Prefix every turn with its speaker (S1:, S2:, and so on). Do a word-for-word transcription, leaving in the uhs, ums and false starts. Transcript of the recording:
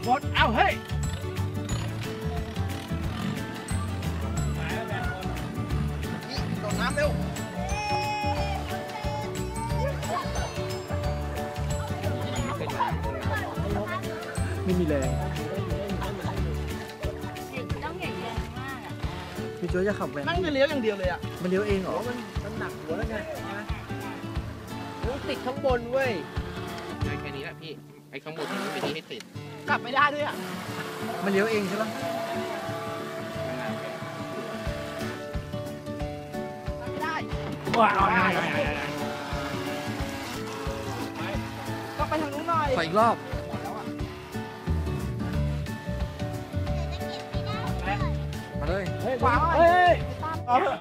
S1: หมดเอาเฮ้ยโดดน้ำเร็วไม่มีแรง
S2: ต้องใหญ่แรงมากอ่ะ
S3: พี่โจ้จะขับแวนนั่
S1: งจะเลี้ยวอย่างเดียวเลยอ่ะ
S3: มันเลี้ยวเองเหรอ
S1: มันมันหนักหัวแล้วไงติดข้างบนเว้ย
S4: แค่นี้แหละพี่ไอ้ข้างบนไม่ได้ให้ติด
S1: กลับไม่ได้ด้วยอ่ะ
S3: มันเลี้ยวเองใช่ปะ
S1: ไม่ได้
S3: ว้าว
S1: ก็ไปทางนู้นหน่อย
S3: ขออีกรอบมาเลย
S1: เฮ้ยขวาเฮ้ย